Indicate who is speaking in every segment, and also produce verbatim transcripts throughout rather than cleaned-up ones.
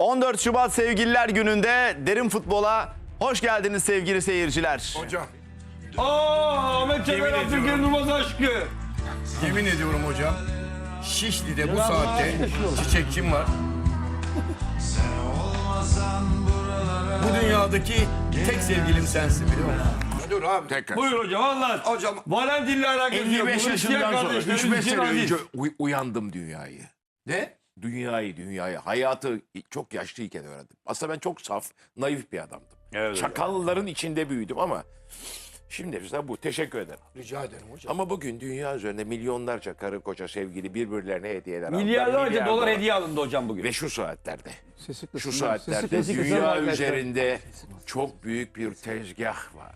Speaker 1: on dört Şubat Sevgililer Günü'nde Derin Futbol'a hoş geldiniz sevgili seyirciler.
Speaker 2: Hocam,
Speaker 3: Aa, Ahmet Çakar Abdülkerim Durmaz aşkı.
Speaker 2: yemin ediyorum hocam, Şişli'de bu saatte çiçekçim var. Bu dünyadaki tek sevgilim sensin biliyor musun? Dur abi tekrar.
Speaker 3: Buyur hocam anlat.
Speaker 2: Hocam
Speaker 3: Valentin'le alakası yok.
Speaker 4: elli beş
Speaker 3: Bu Hristiyan
Speaker 4: yaşından sonra
Speaker 3: kardeşlerimiz
Speaker 4: üç beş
Speaker 3: için
Speaker 4: sene
Speaker 3: aziz.
Speaker 4: önce uy- uyandım dünyayı.
Speaker 2: ne?
Speaker 4: Dünyayı, dünyayı. Hayatı çok yaşlıyken öğrendim. Aslında ben çok saf, naif bir adamdım.
Speaker 3: Evet,
Speaker 4: Çakalların içinde büyüdüm ama şimdi mesela bu. Teşekkür ederim.
Speaker 2: Rica ederim hocam.
Speaker 4: Ama bugün dünya üzerinde milyonlarca karı koca sevgili birbirlerine hediyeler aldılar.
Speaker 3: Milyarlarca
Speaker 4: Milyar
Speaker 3: dolar hediye alındı hocam bugün.
Speaker 4: Ve şu saatlerde,
Speaker 5: Sesi
Speaker 4: şu
Speaker 5: kısın,
Speaker 4: saatlerde
Speaker 5: sesi kısın
Speaker 4: dünya
Speaker 5: arkadaşlar.
Speaker 4: üzerinde çok büyük bir tezgah var.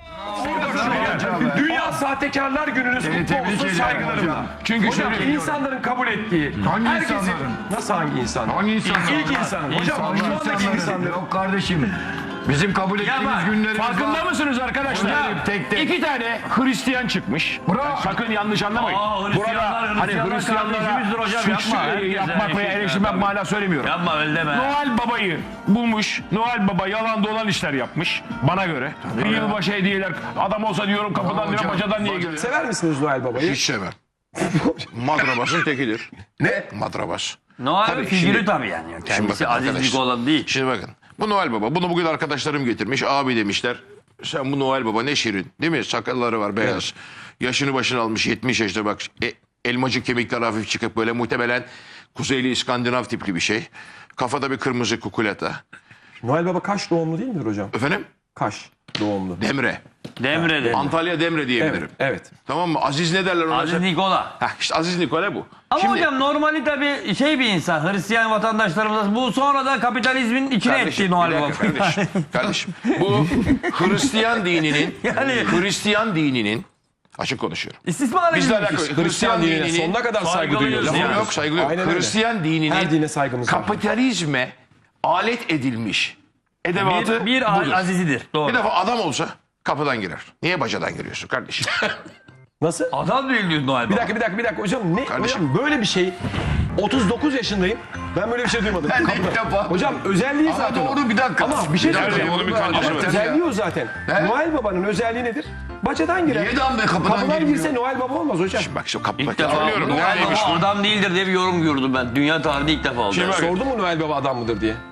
Speaker 6: Dünya Sahtekarlar Günü'nüz kutlu olsun saygılarımla. Çünkü hocam, insanların kabul ettiği.
Speaker 5: Hangi
Speaker 6: herkesin,
Speaker 5: insanların?
Speaker 6: Nasıl hangi insanlar?
Speaker 5: Hangi insanlar?
Speaker 6: İlk insanın. Hocam şu andaki insanların.
Speaker 5: Yok kardeşim. Bizim kabul ettiğimiz günlerimiz
Speaker 6: Farkında
Speaker 5: var.
Speaker 6: mısınız arkadaşlar?
Speaker 5: Hocam, tek tek.
Speaker 6: İki tane Hristiyan çıkmış.
Speaker 5: Bravo.
Speaker 6: Sakın yanlış anlamayın.
Speaker 3: Aa, Hristiyanlar,
Speaker 6: Burada hani
Speaker 3: Hristiyanlar
Speaker 6: Hristiyanlara
Speaker 3: kardeşimizdir hocam,
Speaker 6: suç
Speaker 3: yapma.
Speaker 6: e,
Speaker 3: Herkes
Speaker 6: yapmak
Speaker 3: yani
Speaker 6: veya
Speaker 3: şey
Speaker 6: eleştirmek
Speaker 3: yapma.
Speaker 6: mana söylemiyorum.
Speaker 3: Yapma öyle deme.
Speaker 6: Noel Baba'yı bulmuş. Noel Baba yalan dolan işler yapmış. Bana göre. Bir yılbaşı hediyeler. Adam olsa diyorum kapıdan diyorum
Speaker 5: hocam.
Speaker 6: bacadan niye geliyor?
Speaker 7: Sever misiniz Noel Baba'yı?
Speaker 4: Hiç sevmem. Madrabasın tekidir. Ne? Madrabas.
Speaker 8: Noel figürü
Speaker 4: şimdi-
Speaker 8: tabii yani. Kendisi
Speaker 4: bakın
Speaker 8: azizlik
Speaker 4: arkadaşlar.
Speaker 8: olan değil.
Speaker 4: Şimdi bakın. Bu Noel Baba. Bunu bugün arkadaşlarım getirmiş. Abi demişler. Sen bu Noel Baba ne şirin. Değil mi? Sakalları var beyaz. Yaşını başını almış yetmiş yaşta bak. E, elmacık kemikler hafif çıkıp böyle muhtemelen Kuzeyli İskandinav tipli bir şey. Kafada bir kırmızı kukulata.
Speaker 7: Noel Baba Kaş doğumlu değil midir hocam?
Speaker 4: Efendim?
Speaker 7: Kaş doğumlu.
Speaker 4: Demre.
Speaker 8: Demre'de.
Speaker 4: Antalya Demre diyebilirim.
Speaker 7: Evet, evet.
Speaker 4: Tamam mı? Aziz ne derler ona?
Speaker 8: Aziz Nikola.
Speaker 4: Heh, işte Aziz Nikola bu.
Speaker 8: Ama
Speaker 4: Şimdi-
Speaker 8: hocam normali tabii şey bir insan. Hristiyan vatandaşlarımız bu sonra da kapitalizmin içine
Speaker 4: Kardeşim,
Speaker 8: ettiği Noel
Speaker 4: bir
Speaker 8: Baba.
Speaker 4: dakika kardeşim. Kardeşim. Bu Hristiyan dininin
Speaker 8: Yani-
Speaker 4: Hristiyan dininin açık konuşuyorum.
Speaker 8: İstismar
Speaker 4: Bizle
Speaker 8: edilmiş.
Speaker 4: alakalı Hristiyan
Speaker 7: dinine
Speaker 4: dininin
Speaker 7: sonuna kadar saygı
Speaker 8: Saygılıyız
Speaker 7: duyuyoruz.
Speaker 4: lafım
Speaker 8: yani.
Speaker 4: yok saygı yok.
Speaker 7: Aynen öyle.
Speaker 4: Hristiyan dininin
Speaker 7: Her dine saygımız var.
Speaker 4: kapitalizme alet edilmiş edevatı
Speaker 8: Bir, bir
Speaker 4: budur.
Speaker 8: azizidir. Doğru.
Speaker 4: Bir defa adam olsa kapıdan girer. Niye bacadan giriyorsun kardeşim?
Speaker 7: Nasıl?
Speaker 8: Adam değil diyor Noel Baba.
Speaker 7: Bir dakika bir dakika bir dakika hocam ne?
Speaker 4: Kardeşim.
Speaker 7: Hocam böyle bir şey otuz dokuz yaşındayım. Ben böyle bir şey duymadım.
Speaker 4: Ben de
Speaker 7: Kapıda.
Speaker 4: ilk defa-
Speaker 7: Hocam özelliği
Speaker 4: Ama
Speaker 7: zaten. o.
Speaker 4: doğru bir dakika.
Speaker 7: Ama bir şey söyleyeceğim.
Speaker 4: Onun bir kancası
Speaker 7: Ama
Speaker 4: var.
Speaker 7: özelliği o zaten.
Speaker 4: He?
Speaker 7: Noel Baba'nın özelliği nedir? Bacadan girer.
Speaker 4: Niye adam be kapıdan
Speaker 7: Kapıdan
Speaker 4: girmiyor?
Speaker 7: girse Noel Baba olmaz hocam.
Speaker 4: Bak şu kapıda
Speaker 8: İlk defa
Speaker 4: söylüyorum.
Speaker 8: Noel
Speaker 4: Neymiş
Speaker 8: Baba
Speaker 4: bu?
Speaker 8: adam değildir diye bir yorum gördüm ben. Dünya tarihinde ilk defa oldu.
Speaker 4: Şimdi bak,
Speaker 7: Sordu mu Noel Baba adam mıdır diye?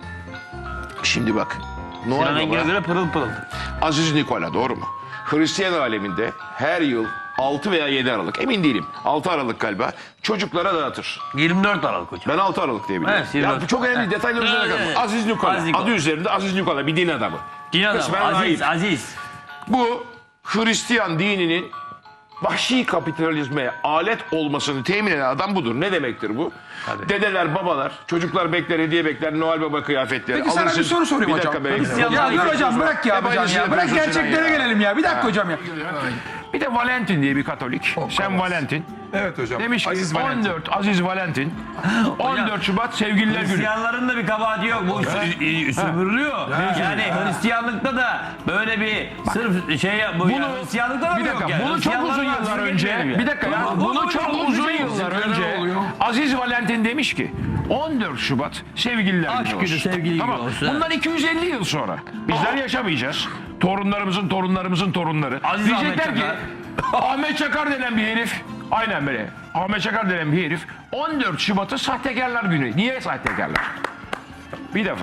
Speaker 4: şimdi bak.
Speaker 8: Sinan
Speaker 4: Noel
Speaker 8: Engin'e
Speaker 4: Baba
Speaker 8: göre pırıl pırıl.
Speaker 4: Aziz Nikola doğru mu? Hristiyan aleminde her yıl altı veya yedi Aralık emin değilim. altı Aralık galiba çocuklara dağıtır.
Speaker 8: yirmi dört Aralık hocam.
Speaker 4: Ben altı Aralık diye biliyorum.
Speaker 8: Evet, yirmi dört.
Speaker 4: Ya bu çok önemli detaylar üzerine
Speaker 8: Evet,
Speaker 4: kalma.
Speaker 8: evet.
Speaker 4: Aziz Nikola.
Speaker 8: Aziz Nikola.
Speaker 4: Adı üzerinde Aziz Nikola bir din adamı.
Speaker 8: Din adamı.
Speaker 4: Kısmen
Speaker 8: Aziz,
Speaker 4: rahip.
Speaker 8: aziz.
Speaker 4: Bu Hristiyan dininin vahşi kapitalizme alet olmasını temin eden adam budur. Ne demektir bu? Dedeler, babalar, çocuklar bekler, hediye bekler, Noel Baba kıyafetleri.
Speaker 5: Peki sana
Speaker 4: alırsın.
Speaker 5: bir soru sorayım
Speaker 4: Bir dakika
Speaker 5: hocam.
Speaker 4: be.
Speaker 8: Hristiyan-
Speaker 5: Ya dur hocam bırak ya
Speaker 4: Hep
Speaker 5: hocam
Speaker 4: aynısını
Speaker 5: ya. Bırak
Speaker 4: yapıyorsun Sinan
Speaker 5: gerçeklere
Speaker 4: ya.
Speaker 5: gelelim ya. Bir dakika hocam ya.
Speaker 6: Bir de Valentin diye bir Katolik. Sen Valentin.
Speaker 5: Evet hocam.
Speaker 6: Demiş ki
Speaker 5: Aziz Valentin.
Speaker 6: on dört Aziz Valentin. on dört Şubat Sevgililer Günü.
Speaker 8: Hristiyanların da bir kabahati yok. Bu sü- sömürülüyor. Yani Hristiyanlıkta da böyle bir sırf şey bu
Speaker 6: Bunu-
Speaker 8: ya, Hristiyanlıkta da
Speaker 6: Bir
Speaker 8: mı yok
Speaker 6: dakika
Speaker 8: yani?
Speaker 6: bunu çok
Speaker 8: Hristiyanların
Speaker 6: uzun yıllar
Speaker 8: haksızlık
Speaker 6: önce
Speaker 8: etmeyelim ya.
Speaker 6: bir dakika ya
Speaker 8: Bu-
Speaker 6: bunu
Speaker 8: bu-
Speaker 6: çok
Speaker 8: bu-
Speaker 6: uzun
Speaker 8: bu-
Speaker 6: yıllar
Speaker 5: Neler
Speaker 6: önce
Speaker 5: oluyor?
Speaker 6: Aziz Valentin demiş ki on dört Şubat Sevgililer
Speaker 8: Aşk
Speaker 6: Günü
Speaker 8: günü,
Speaker 6: olsun.
Speaker 8: sevgili günü
Speaker 6: Tamam.
Speaker 8: olsun.
Speaker 6: Bundan iki yüz elli yıl sonra bizler yaşamayacağız. Torunlarımızın torunlarımızın torunları.
Speaker 8: Aziz
Speaker 6: Diyecekler
Speaker 8: Ahmet
Speaker 6: ki
Speaker 8: Çakar.
Speaker 6: Ahmet Çakar denen bir herif aynen böyle. Ahmet Çakar denen bir herif on dört Şubat'ı sahtekarlar günü. Niye sahtekarlar? Bir defa.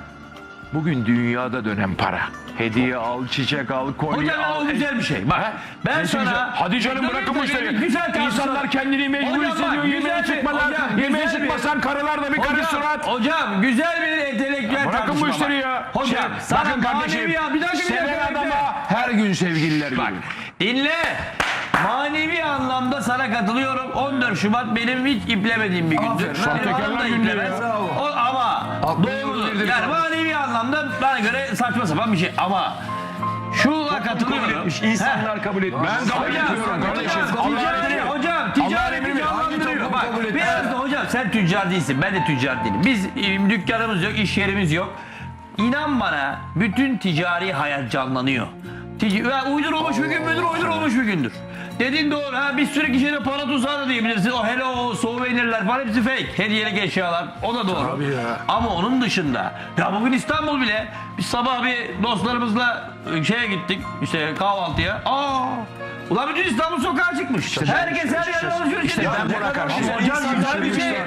Speaker 6: Bugün dünyada dönen para. Hediye al, çiçek al, kolye
Speaker 8: Hocam
Speaker 6: al.
Speaker 8: o güzel bir şey. Bak ben
Speaker 6: Nesi
Speaker 8: sana...
Speaker 6: güzel? Hadi canım
Speaker 8: Dur,
Speaker 6: bırakın
Speaker 8: dur,
Speaker 6: bu işleri.
Speaker 8: güzel tartışma.
Speaker 6: İnsanlar kendini mecbur
Speaker 8: Hocam bak,
Speaker 6: hissediyor.
Speaker 8: güzel
Speaker 6: Yemeğe
Speaker 8: bir-
Speaker 6: çıkmadan,
Speaker 8: hocam,
Speaker 6: yemeğe
Speaker 8: güzel bir-
Speaker 6: çıkmasan karılar da bir karı
Speaker 8: Hocam,
Speaker 6: surat.
Speaker 8: hocam güzel bir entelektüel tartışma.
Speaker 6: Bırakın bu
Speaker 8: var.
Speaker 6: işleri ya.
Speaker 8: Hocam
Speaker 6: Şey,
Speaker 8: sana
Speaker 6: bakın kardeşim,
Speaker 8: manevi... Bir dakika bir
Speaker 6: seven
Speaker 8: dakika. bekle.
Speaker 6: adama her gün sevgililer günü.
Speaker 8: Bak dinle. Manevi anlamda sana katılıyorum. on dört Şubat benim hiç iplemediğim bir gündür. Benim
Speaker 6: sahtekarlar
Speaker 8: hanım da
Speaker 6: günü
Speaker 8: iplemez.
Speaker 6: ya.
Speaker 8: O, ama doğru. Yani manevi anlamda bana göre saçma sapan bir şey. Ama şuna katılıyorum.
Speaker 7: İnsanlar kabul etmiş.
Speaker 6: Ben kabul
Speaker 8: Hocam,
Speaker 6: etmiyorum kardeşim.
Speaker 8: hocam,
Speaker 6: Allah'ın
Speaker 8: ticari,
Speaker 6: emri.
Speaker 8: hocam
Speaker 6: Allah'ın
Speaker 8: ticareti
Speaker 6: emri mi?
Speaker 8: canlandırıyor. Bak
Speaker 7: kabul etmez?
Speaker 8: biraz da hocam sen tüccar değilsin. Ben de tüccar değilim. Biz e, dükkanımız yok, iş yerimiz yok. İnan bana bütün ticari hayat canlanıyor. Tic ya uydurulmuş bir gün müdür, uydurulmuş bir gündür. Dediğin doğru. Ha, bir sürü kişiye de para tuzağı da diyebilirsin. O hello, souvenirler falan hepsi fake. Hediyelik eşyalar. O da doğru. Ama onun dışında ya bugün İstanbul bile biz sabah bir dostlarımızla şeye gittik. İşte kahvaltıya. Aa! Ulan bütün İstanbul sokağa çıkmış. Herkes her yerde alışveriş ediyor.
Speaker 6: ben buna karşıyım.
Speaker 8: Hocam güzel bir şey.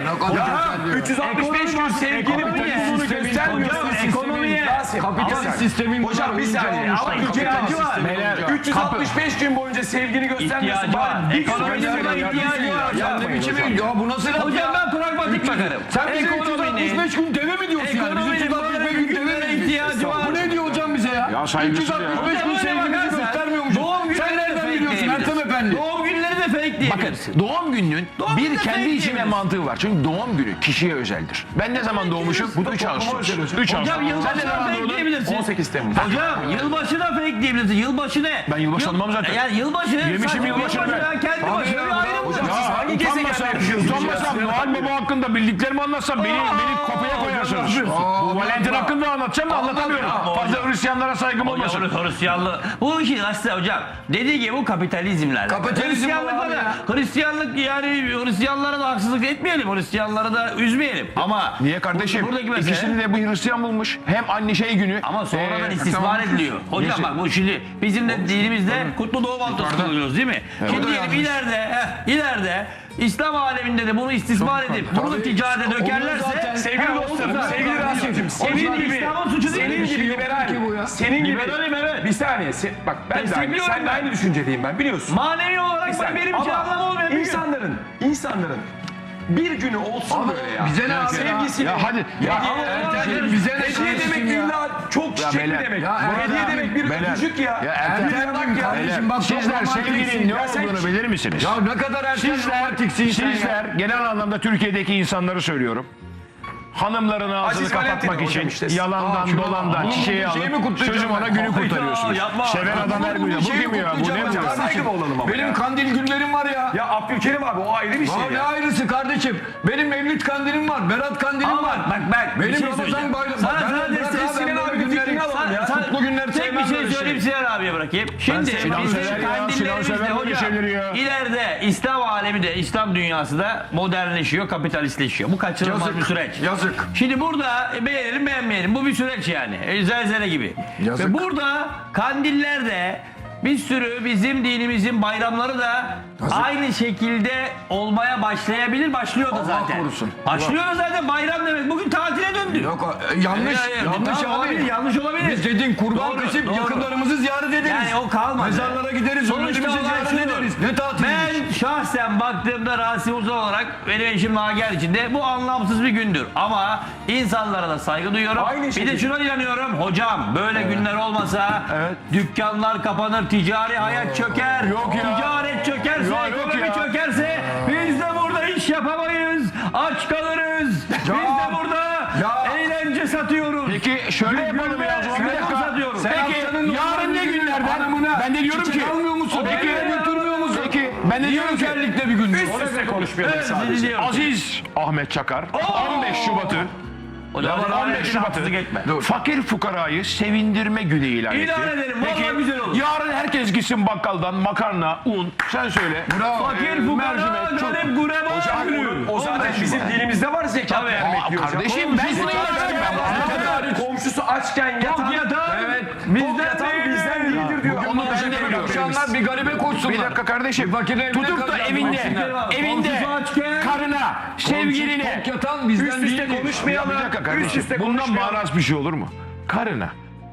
Speaker 2: üç yüz altmış beş gün sevgili
Speaker 8: Ekonomiye.
Speaker 2: göstermiyorsun.
Speaker 8: Hocam ekonomiye.
Speaker 5: Kapitalist sistemin
Speaker 2: Hocam bir saniye ama ihtiyacı var. üç yüz altmış beş gün boyunca sevgini göstermiyorsun.
Speaker 8: İhtiyacı var.
Speaker 2: Bari bir
Speaker 8: Ekonominin buna ihtiyacı var.
Speaker 5: Ya ne biçim ya bu nasıl laf
Speaker 8: Hocam
Speaker 5: ya?
Speaker 8: ben pragmatik bakarım.
Speaker 5: Sen bize üç yüz altmış beş gün deve mi diyorsun yani? Biz üç yüz altmış beş gün deve mi
Speaker 8: ihtiyacı var.
Speaker 5: Bu ne diyor hocam bize ya?
Speaker 6: Ya saygısız ya.
Speaker 5: üç yüz altmış beş gün sevgimizi göstermiyormuşuz.
Speaker 8: Doğum
Speaker 5: Sen
Speaker 8: günleri de
Speaker 5: nereden
Speaker 8: fake
Speaker 5: biliyorsun
Speaker 8: diyebilirsin.
Speaker 5: Ertem Efendi?
Speaker 8: Doğum günleri de fake diyebilirsin.
Speaker 6: Bakın doğum gününün
Speaker 8: Doğum
Speaker 6: bir
Speaker 8: günü
Speaker 6: kendi
Speaker 8: fake
Speaker 6: işi ve
Speaker 8: diyebilirsin.
Speaker 6: mantığı var. Çünkü doğum günü kişiye özeldir. Ben ne zaman doğmuşum? üç Ağustos. üç Ağustos.
Speaker 8: Hocam
Speaker 6: Sen ne
Speaker 8: yılbaşı da
Speaker 6: zaman
Speaker 8: fake
Speaker 6: doğdun?
Speaker 8: diyebilirsin.
Speaker 2: on sekiz Temmuz.
Speaker 8: Hocam yılbaşı da fake diyebilirsin. Yılbaşı ne?
Speaker 6: Ben yılbaşı tanımam zaten.
Speaker 8: Yani yılbaşı.
Speaker 6: Yemişim
Speaker 8: saçma
Speaker 6: yılbaşını ben.
Speaker 8: ya, kendi başına bir ayrım var.
Speaker 6: Ya
Speaker 2: hangi
Speaker 6: utanmasam,
Speaker 2: gezegende yaşıyorsunuz
Speaker 6: utanmasam
Speaker 2: ya?
Speaker 6: Noel Baba hakkında bildiklerimi anlatsam beni, beni kapıya koyarsınız. Bu Valentin hakkında anlatacağım da anlatamıyorum. Fazla Hristiyanlara saygım olmasın.
Speaker 8: Hocam Hristiyanlığı. Bu işin aslında hocam dediği gibi bu kapitalizmlerle.
Speaker 5: Kapitalizm
Speaker 8: Hristiyanlıkla
Speaker 5: var
Speaker 8: da
Speaker 5: ya.
Speaker 8: Hristiyanlık yani Hristiyanlara da haksızlık etmeyelim. Hristiyanları da üzmeyelim. Ama
Speaker 6: Niye kardeşim?
Speaker 8: buradaki mesele-
Speaker 6: İkisini de bu Hristiyan bulmuş. Hem anne şey günü.
Speaker 8: ama sonradan
Speaker 6: Ee,
Speaker 8: istismar ediliyor. Hocam
Speaker 6: Neyse.
Speaker 8: bak bu şimdi bizim de dinimizde kutlu doğum haftası kılıyoruz değil mi? Şimdi diyelim ileride, heh, ileride İslam aleminde de bunu istismar edip bunu ticarete dökerlerse
Speaker 2: Sevgili
Speaker 8: Ha,
Speaker 2: dostlarım,
Speaker 8: olursa-
Speaker 2: sevgili Rasim'cim,
Speaker 8: Senin
Speaker 2: senin gibi,
Speaker 8: İslam'ın suçu değil
Speaker 2: senin
Speaker 8: mi?
Speaker 2: gibi liberal, senin gibi,
Speaker 8: Liberalim, evet.
Speaker 2: bir saniye, se- bak ben de aynı,
Speaker 8: Destekliyorum
Speaker 2: sen de
Speaker 8: ben.
Speaker 2: aynı düşüncedeyim ben biliyorsun.
Speaker 8: Manevi olarak
Speaker 2: Bir
Speaker 8: bak
Speaker 2: saniye.
Speaker 8: benim için
Speaker 2: Ama
Speaker 8: anlamı olmayan bir gün.
Speaker 2: insanların, insanların bir günü olsun böyle ya.
Speaker 5: bize ne abi ya?
Speaker 2: Sevgisiyle.
Speaker 6: Ya hadi.
Speaker 2: Ya,
Speaker 6: Ya,
Speaker 2: ama
Speaker 5: Ertem,
Speaker 2: Ertem,
Speaker 5: bize ne
Speaker 2: hediye
Speaker 5: kardeşim
Speaker 2: demek
Speaker 5: ya?
Speaker 2: illa çok çiçek mi
Speaker 6: beyler,
Speaker 2: demek?
Speaker 5: ya
Speaker 2: Bu hediye
Speaker 5: Ertem,
Speaker 2: demek bir
Speaker 6: beyler.
Speaker 2: öpücük ya.
Speaker 6: Ya Ertem,
Speaker 2: Bir yanak ya.
Speaker 5: kardeşim bak çok
Speaker 6: Sizler sevginin
Speaker 5: romantiksin.
Speaker 6: ne
Speaker 2: Ya sen-
Speaker 6: olduğunu bilir misiniz?
Speaker 5: Ya ne kadar erken
Speaker 6: Sizler,
Speaker 5: romantiksin sen ya.
Speaker 6: sizler genel anlamda Türkiye'deki insanları söylüyorum. Hanımların ağzını
Speaker 2: Aziz
Speaker 6: kapatmak
Speaker 2: Valentin
Speaker 6: için
Speaker 2: hocam işte.
Speaker 6: yalandan
Speaker 5: Aa, şunu-
Speaker 6: dolandan
Speaker 5: Aa,
Speaker 6: çiçeği
Speaker 5: şeyi
Speaker 6: alıp
Speaker 5: mi kutlayacağım
Speaker 6: sözüm ona
Speaker 5: ben?
Speaker 6: günü
Speaker 8: Hayda,
Speaker 6: kurtarıyorsunuz.
Speaker 8: yapma.
Speaker 6: Seven adam her gün. Bu
Speaker 5: Şeyi
Speaker 6: kim ya? Bu
Speaker 5: kutlayacağım
Speaker 6: ne bu
Speaker 5: ya.
Speaker 6: ya?
Speaker 2: Saygı mı olalım ama
Speaker 5: Benim
Speaker 2: ya?
Speaker 5: kandil günlerim var ya.
Speaker 2: Ya Abdülkerim abi o ayrı bir şey
Speaker 5: Ya ne
Speaker 2: ya.
Speaker 5: ayrısı kardeşim? Benim Mevlüt kandilim var, Berat kandilim
Speaker 8: Ama
Speaker 5: var.
Speaker 8: bak bak bak. bir
Speaker 5: Benim
Speaker 8: şey
Speaker 5: Ramazan
Speaker 8: söyleyeceğim.
Speaker 5: bayramı.
Speaker 8: Sana
Speaker 5: Ben-
Speaker 8: sana
Speaker 5: bırak
Speaker 8: destek
Speaker 5: abi,
Speaker 2: Sinan
Speaker 5: ben
Speaker 2: abi
Speaker 5: böyle
Speaker 2: bir fikrini
Speaker 5: günleri-
Speaker 2: alalım ya.
Speaker 8: Sana-
Speaker 5: Mutlu günler
Speaker 8: tek bir
Speaker 5: sevmem
Speaker 8: şey
Speaker 5: böyle
Speaker 8: söyleyeyim Sinan abiye bırakayım. Şimdi
Speaker 6: Sinan
Speaker 8: bizim
Speaker 6: sever ya, Sinan
Speaker 8: kandillerimizde
Speaker 6: sever böyle
Speaker 8: hocam
Speaker 6: şeyleri ya.
Speaker 8: ileride İslam alemi de İslam dünyası da modernleşiyor, kapitalistleşiyor. Bu kaçınılmaz
Speaker 5: Yazık,
Speaker 8: bir süreç.
Speaker 5: yazık.
Speaker 8: Şimdi burada e, beğenelim beğenmeyelim bu bir süreç yani. E, zelzele gibi.
Speaker 5: Yazık.
Speaker 8: Ve burada kandillerde bir sürü bizim dinimizin bayramları da aynı şekilde olmaya başlayabilir. Başlıyor da
Speaker 5: Allah
Speaker 8: zaten.
Speaker 5: korusun.
Speaker 8: Başlıyor da zaten bayram demek. Bugün tatile döndü.
Speaker 5: Yok e, yanlış,
Speaker 8: Ya, ya,
Speaker 5: yanlış
Speaker 8: tamam,
Speaker 5: abi.
Speaker 8: olabilir, yanlış olabilir.
Speaker 5: Biz dedin kurban
Speaker 8: Doğru,
Speaker 5: kesip
Speaker 8: doğru.
Speaker 5: yakınlarımızı ziyaret ederiz.
Speaker 8: Yani o kalmadı.
Speaker 5: Mezarlara gideriz,
Speaker 8: Sonuçta
Speaker 5: ölülerimizi
Speaker 8: olay
Speaker 5: ziyaret
Speaker 8: şudur.
Speaker 5: ederiz. Ne tatiliymiş?
Speaker 8: Ben şahsen baktığımda Rasim Uzun olarak benim eşim Nagihan için de bu anlamsız bir gündür. Ama insanlara da saygı duyuyorum.
Speaker 2: Aynı
Speaker 8: bir
Speaker 2: şekilde.
Speaker 8: de şuna inanıyorum. Hocam böyle günler olmasa dükkanlar kapanır, ticari hayat çöker.
Speaker 6: Yok ya.
Speaker 8: Ticaret çökerse,
Speaker 6: Ya yok
Speaker 8: ekonomi
Speaker 6: ya.
Speaker 8: çökerse biz de burada iş yapamayız. Aç kalırız. Biz de burada
Speaker 5: Ya.
Speaker 8: eğlence satıyoruz.
Speaker 6: Peki şöyle yapalım ya. o zaman. Bir
Speaker 8: Sen
Speaker 6: dakika.
Speaker 8: satıyorum.
Speaker 6: Peki
Speaker 5: Haftanın
Speaker 6: yarın ne günlerden?
Speaker 5: hanımına
Speaker 6: Ben de diyorum
Speaker 5: çiçek
Speaker 6: ki.
Speaker 5: almıyor musun?
Speaker 6: Peki
Speaker 5: Eve götürmüyor musun?
Speaker 6: Peki ben de diyorum ki.
Speaker 5: Özellikle bir gün.
Speaker 2: Üst üste konuşmayalım
Speaker 8: Evet,
Speaker 2: sadece.
Speaker 8: dinliyorum.
Speaker 6: Aziz Ahmet Çakar on beş Şubat'ı
Speaker 8: Hocam,
Speaker 6: on beş Şubat'ı
Speaker 8: haksızlık etme.
Speaker 6: fakir fukarayı sevindirme günü ilan etti.
Speaker 8: İlan edelim, vallahi
Speaker 6: Peki,
Speaker 8: güzel olur.
Speaker 6: yarın herkes gitsin bakkaldan makarna, un, sen söyle.
Speaker 5: Bravo.
Speaker 8: Fakir fukara,
Speaker 6: mercimek, çok-
Speaker 8: garip gureba günü.
Speaker 2: O zaten bizim dilimizde var zekat
Speaker 8: Tabii.
Speaker 2: vermek
Speaker 6: Aa,
Speaker 2: diyor hocam.
Speaker 6: kardeşim ben bunu ilan ettim. Ben bunu-
Speaker 2: Komşusu açken yatan,
Speaker 8: Tok yatan
Speaker 2: evet,
Speaker 8: bizden
Speaker 2: tok yatan
Speaker 8: değildir.
Speaker 2: bizden değildir diyor.
Speaker 6: Onu ben de biliyorum.
Speaker 5: Akşamlar bir garibe koşsunlar.
Speaker 6: Bir dakika kardeşim.
Speaker 5: Fakir evine
Speaker 6: Tutup da
Speaker 5: kalacağız,
Speaker 6: evinde,
Speaker 5: baksınlar.
Speaker 6: evinde
Speaker 8: Komşusu açken-
Speaker 6: karına, sevgiline.
Speaker 5: Tok yatan bizden
Speaker 2: Üst üste
Speaker 5: değildir.
Speaker 2: konuşmayalım.
Speaker 6: Bir dakika
Speaker 2: Üst
Speaker 6: kardeşim.
Speaker 2: üste
Speaker 6: Bundan
Speaker 2: konuşmayalım.
Speaker 6: maraz bir şey olur mu? Karına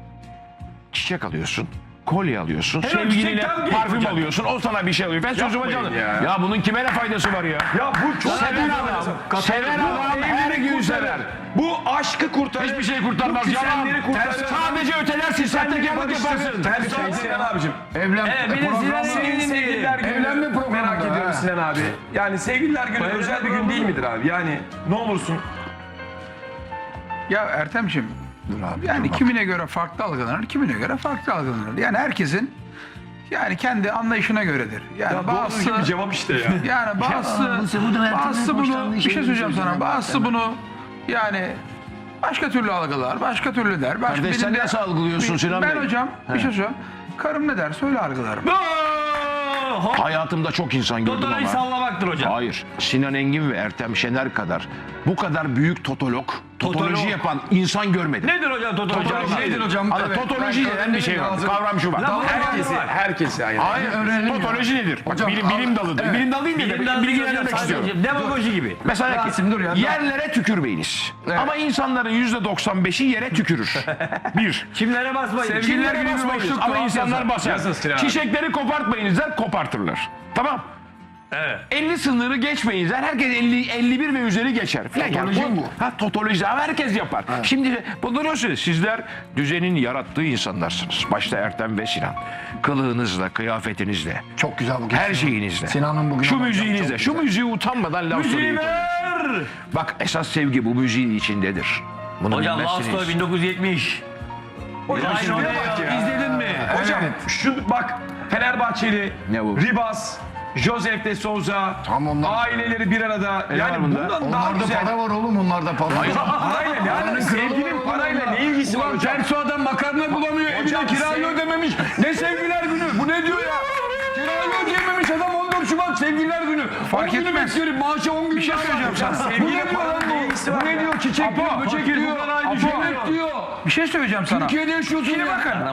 Speaker 6: çiçek alıyorsun. Kolye alıyorsun.
Speaker 8: Helal
Speaker 6: sevgiline
Speaker 8: çiçek tam
Speaker 6: parfüm
Speaker 8: hocam.
Speaker 6: alıyorsun. O sana bir şey alıyor. Ben sözüme
Speaker 2: Yapmayın
Speaker 6: canım.
Speaker 2: ya.
Speaker 6: Ya. bunun kime ne faydası var ya?
Speaker 2: Ya bu çok
Speaker 6: Seven
Speaker 2: büyük
Speaker 6: adam,
Speaker 2: bir-
Speaker 6: seven
Speaker 2: Bu
Speaker 6: adam her
Speaker 2: evlilik
Speaker 6: gün
Speaker 2: kurtarır.
Speaker 6: sever.
Speaker 2: Bu aşkı kurtarır.
Speaker 6: Hiçbir şey kurtarmaz.
Speaker 2: Bu
Speaker 6: Yalan.
Speaker 2: küsenleri kurtarır.
Speaker 6: Sadece ötelersin. Sahtekarlık yaparsın.
Speaker 2: Her şey Sinan abicim.
Speaker 5: Evlen
Speaker 8: Evet, bir de
Speaker 5: programı-
Speaker 8: Sinan'ın
Speaker 2: Senin
Speaker 8: evliliğini
Speaker 2: sevgililer günü
Speaker 5: Evlenme programı
Speaker 2: merak
Speaker 5: da,
Speaker 2: ediyorum
Speaker 5: ha.
Speaker 2: Sinan abi. Yani sevgililer günü özel bir gün değil midir abi? Yani ne olursun.
Speaker 9: Ya Ertemciğim, yani kimine göre farklı algılanır, kimine göre farklı algılanır. Yani herkesin yani kendi anlayışına göredir. Yani bazısı
Speaker 2: cevap işte ya.
Speaker 9: yani bazısı bazısı bunu bir şey söyleyeceğim sana. Bazısı bunu yani başka türlü algılar, başka türlü der. Başka
Speaker 6: Kardeş, sen
Speaker 9: benim de-
Speaker 6: nasıl algılıyorsun Sinan
Speaker 9: Ben
Speaker 6: Bey?
Speaker 9: hocam bir şey söyleyeyim. Karım ne der söyle algılarım.
Speaker 8: o?
Speaker 6: Hayatımda çok insan gördüm
Speaker 8: Totoloji
Speaker 6: ama.
Speaker 8: sallamaktır hocam.
Speaker 6: Hayır. Sinan Engin ve Ertem Şener kadar bu kadar büyük totolog, totoloji
Speaker 8: Totolog.
Speaker 6: yapan insan görmedim.
Speaker 8: Nedir hocam totoloji?
Speaker 6: Totoloji
Speaker 9: Nedir hocam?
Speaker 6: Ana,
Speaker 9: Evet,
Speaker 6: totoloji
Speaker 9: ben
Speaker 6: denen bir şey var.
Speaker 9: lazım.
Speaker 6: Kavram şu var.
Speaker 8: Lan herkesi.
Speaker 3: Herkesi hayır.
Speaker 6: Hayır. Totoloji nedir? Bak,
Speaker 9: Hocam,
Speaker 6: bilim, bilim
Speaker 9: al-
Speaker 6: dalıdır.
Speaker 9: evet.
Speaker 6: Bilim dalı değil mi?
Speaker 8: Bilimden
Speaker 6: Bilim,
Speaker 8: hocam,
Speaker 6: bilgilendirmek
Speaker 8: sadece
Speaker 6: istiyorum.
Speaker 8: demagoji gibi.
Speaker 6: Mesela ki,
Speaker 9: Rasim, dur ya.
Speaker 6: yerlere tükürmeyiniz. Ama insanların yüzde doksan beşi yere tükürür. Bir.
Speaker 8: Çimlere basmayın.
Speaker 9: Sevgililer
Speaker 6: Kimlere
Speaker 9: günü bir
Speaker 6: basmayınız
Speaker 9: boşluk
Speaker 6: ama
Speaker 9: doğal
Speaker 6: insanlar
Speaker 9: yazar.
Speaker 6: basar.
Speaker 3: Yazın abi.
Speaker 6: Çiçekleri kopartmayınızlar, kopartırlar. Tamam.
Speaker 8: Evet.
Speaker 6: elli sınırı geçmeyinizler. Herkes elli, elli bir ve üzeri geçer. Falan.
Speaker 9: Totoloji
Speaker 6: Yani
Speaker 9: bu.
Speaker 6: Ha, totoloji ama herkes yapar. Şimdi bunu diyorsunuz. Sizler düzenin yarattığı insanlarsınız. Başta Ertem ve Sinan. Kılığınızla, kıyafetinizle,
Speaker 5: Çok güzel bu.
Speaker 6: her şeyinizle.
Speaker 5: Sinan'ın bugün
Speaker 6: Şu
Speaker 5: ama
Speaker 6: müziğinizle,
Speaker 5: çok
Speaker 6: şu
Speaker 5: güzel.
Speaker 6: müziği utanmadan laf
Speaker 8: Müziği
Speaker 6: söyleyip.
Speaker 8: ver.
Speaker 6: Bak esas sevgi bu müziğin içindedir. Bunu
Speaker 8: Hocam
Speaker 6: bilmezsiniz.
Speaker 8: Last bin dokuz yüz yetmiş.
Speaker 3: Hocam
Speaker 8: Aynı
Speaker 3: şuraya
Speaker 8: oraya
Speaker 3: bak ya.
Speaker 8: ya.
Speaker 3: İzledin mi? Hocam şu bak Fenerbahçeli,
Speaker 6: Ne bu?
Speaker 3: Ribas, Josef de Souza,
Speaker 5: Tam onlar.
Speaker 3: aileleri bir arada.
Speaker 6: E, ne
Speaker 3: yani
Speaker 6: var bunda?
Speaker 3: bundan daha
Speaker 5: Onlarda
Speaker 3: güzel.
Speaker 5: para var oğlum, onlarda para var.
Speaker 3: Parayla ne alakası? Sevginin parayla ne ilgisi var hocam?
Speaker 2: Tersi adam makarna bulamıyor, evine
Speaker 3: Hocam,
Speaker 2: kirayı
Speaker 3: sev-
Speaker 2: ödememiş. Ne sevgiler günü? Bu ne diyor ya? Kirayı ödeyememiş adam on dört Şubat sevgililer günü.
Speaker 9: Fark
Speaker 2: on günü
Speaker 9: etmez.
Speaker 2: bekliyorum, maaşı on gün
Speaker 9: Bir şey
Speaker 2: daha
Speaker 9: söyleyeceğim
Speaker 2: var.
Speaker 9: sana.
Speaker 2: Bu ne
Speaker 3: Sevgiyle
Speaker 2: diyor lan
Speaker 3: paranın ne
Speaker 2: bu?
Speaker 3: ilgisi
Speaker 2: Bu
Speaker 3: var
Speaker 2: ne
Speaker 3: ya?
Speaker 2: diyor? Çiçek
Speaker 9: Apo,
Speaker 2: diyor, böcek
Speaker 8: fakir
Speaker 2: diyor.
Speaker 8: fukara aynı
Speaker 2: Apo,
Speaker 8: şey
Speaker 2: yemek
Speaker 8: diyor.
Speaker 2: diyor.
Speaker 9: Bir şey söyleyeceğim sana.
Speaker 2: Türkiye'de yaşıyorsun
Speaker 9: Şimdi
Speaker 2: ya.
Speaker 9: bakın.